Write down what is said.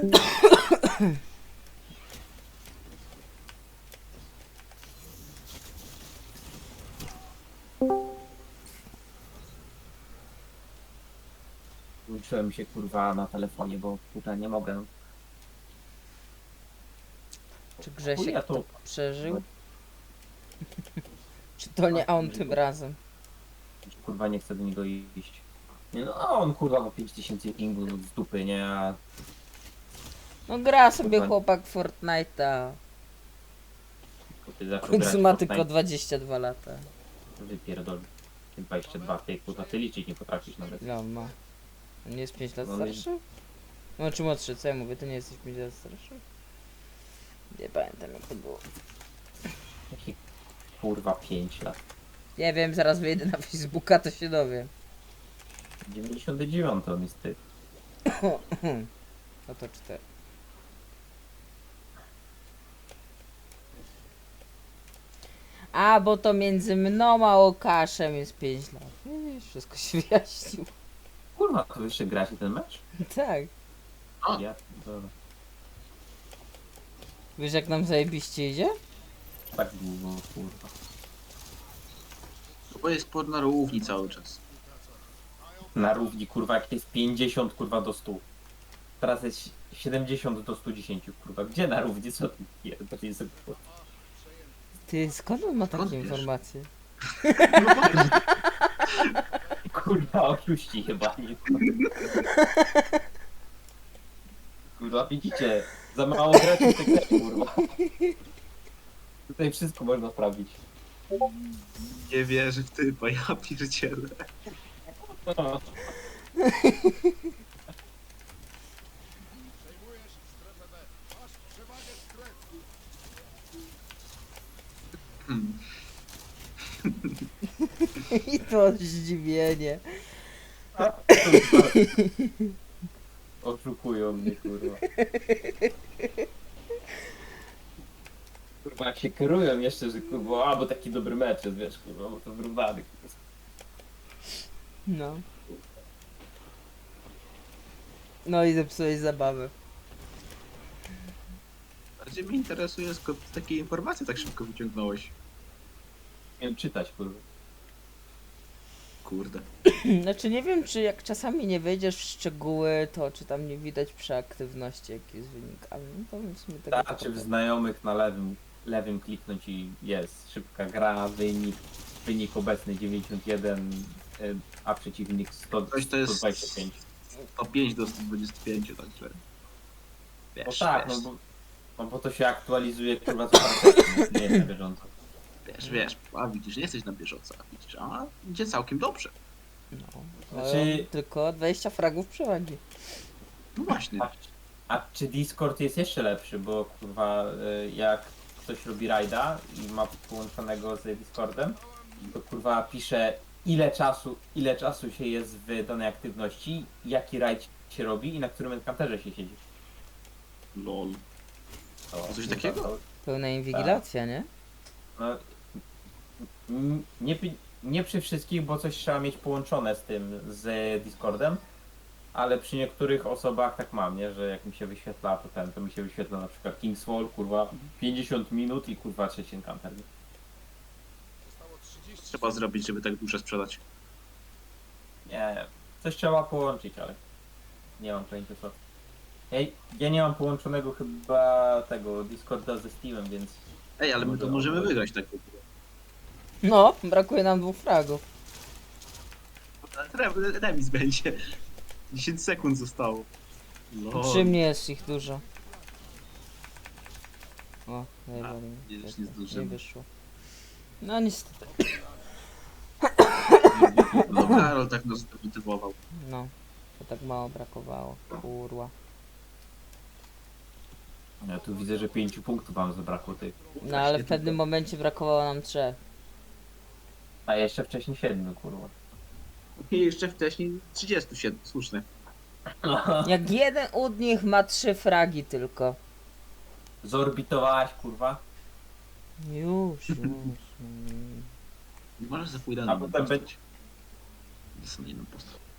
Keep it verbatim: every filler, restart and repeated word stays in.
Uczyłem się kurwa na telefonie, bo kurwa nie mogę. Czy Grzesiek Chuja to to- przeżył? Czy to nie on tym razem? Kurwa nie chcę do niego iść. Nie no, a on kurwa ma pięć tysięcy pingu z dupy, nie? A No gra sobie Kurwa. chłopak Fortnite'a. ty zaczął W końcu grać ma w tylko Fortnite, dwadzieścia dwa lata. wypierdol. Ty dwadzieścia dwa, ty kurwa, ty liczyć nie potrafisz nawet. Ile on ma? On nie jest pięć lat No nie. starszy? No czy młodszy, co ja mówię? Ty nie jesteś pięć lat starszy? Nie pamiętam jak to było. Jaki kurwa pięć lat. Nie wiem, zaraz wyjdę na Facebooka, to się dowiem. dziewięćdziesiąty dziewiąty on jest ty. No to cztery. A, bo to między mną a Łukaszem jest pięć lat. Widzisz, wszystko się wyjaśniło. Kurwa, to jeszcze gracie ten mecz? Tak. O. Ja, dobra. Wiesz jak nam zajebiście idzie? Tak długo, kurwa. Bo jest sport na równi cały czas. Na równi kurwa jak jest pięćdziesiąt kurwa do stu. Teraz jest siedemdziesiąt do stu dziesięciu kurwa. Gdzie na równi? Co tu pierdolę sobie kurwa? Ty, skąd on ma takie Skąd wiesz? informacje? No właśnie. Kurwa oszuści chyba nie. Kurwa widzicie? Za mało graczy w tej grze, kurwa. Tutaj wszystko można sprawdzić. Nie wierzę w typa, ja pierdzielę. Hmm. I to zdziwienie. Oszukują mnie kurwa. Kurwa jak się kierują jeszcze, że kurwa, a bo taki dobry mecz jest, wiesz kurwa, bo to wyrównany kurwa. No. No i zepsułeś zabawę. Bardziej mnie interesuje, skąd takie informacje tak szybko wyciągnąłeś. Nie wiem czytać kurwa. Kurde. Znaczy nie wiem, czy jak czasami nie wejdziesz w szczegóły, to czy tam nie widać przy aktywności jaki jest wynik, ale no to w sumie tego Starczy w znajomych na lewym, lewym kliknąć i jest szybka gra, wynik, wynik obecny dziewięćdziesiąt jeden, y, a przeciwnik sto, Coś to jest sto dwadzieścia pięć. sto pięć do sto dwadzieścia pięć, także... Wiesz, No tak, wiesz, no bo, no bo to się aktualizuje kurwa co parę nie jest na bieżąco. wiesz, wiesz, a widzisz, nie jesteś na bieżąco, a widzisz, a idzie całkiem dobrze. No. Znaczy- Znaczy... Tylko dwadzieścia fragów przewagi. No właśnie. A, a czy Discord jest jeszcze lepszy, bo kurwa y, jak ktoś robi rajda i ma połączonego z Discordem, to kurwa pisze ile czasu, ile czasu się jest w danej aktywności, jaki rajd się robi i na którym encounterze się siedzi. Lol. To, Coś takiego? To, Pełna inwigilacja, nie? no, n- nie, pi- nie przy wszystkich, bo coś trzeba mieć połączone z tym, z Discordem, ale przy niektórych osobach tak mam, nie? Że jak mi się wyświetla to ten, to mi się wyświetla na przykład King's Fall, kurwa, pięćdziesiąt minut i kurwa trzeci encounter. Trzeba zrobić, żeby tak duszę sprzedać. Nie, coś trzeba połączyć, ale nie mam pojęcia co. Ej, ja nie mam połączonego chyba tego Discorda ze Steamem, więc Ej, ale my to Może- możemy wygrać tak w ogóle. No, brakuje nam dwóch fragów. Re- Remis będzie. dziesięć sekund zostało. Lol. Przy mnie jest ich dużo. O, najbardziej. nie, już Tak, nie tak, zdążymy. nie wyszło. No niestety. No Karol tak nas zdemotywował. No, to tak mało brakowało. Kurwa. ja tu widzę, że pięciu punktów wam zabrakło tych. No ale w pewnym momencie brakowało nam trzech. A jeszcze wcześniej siedmiu, kurwa. I jeszcze wcześniej trzydzieści siedem, słuszne. Jak jeden od nich ma trzy fragi tylko. Zorbitowałaś, kurwa, Już, już. mm. Nie możesz za pójdę a potem będzie... Dostanę inną postać.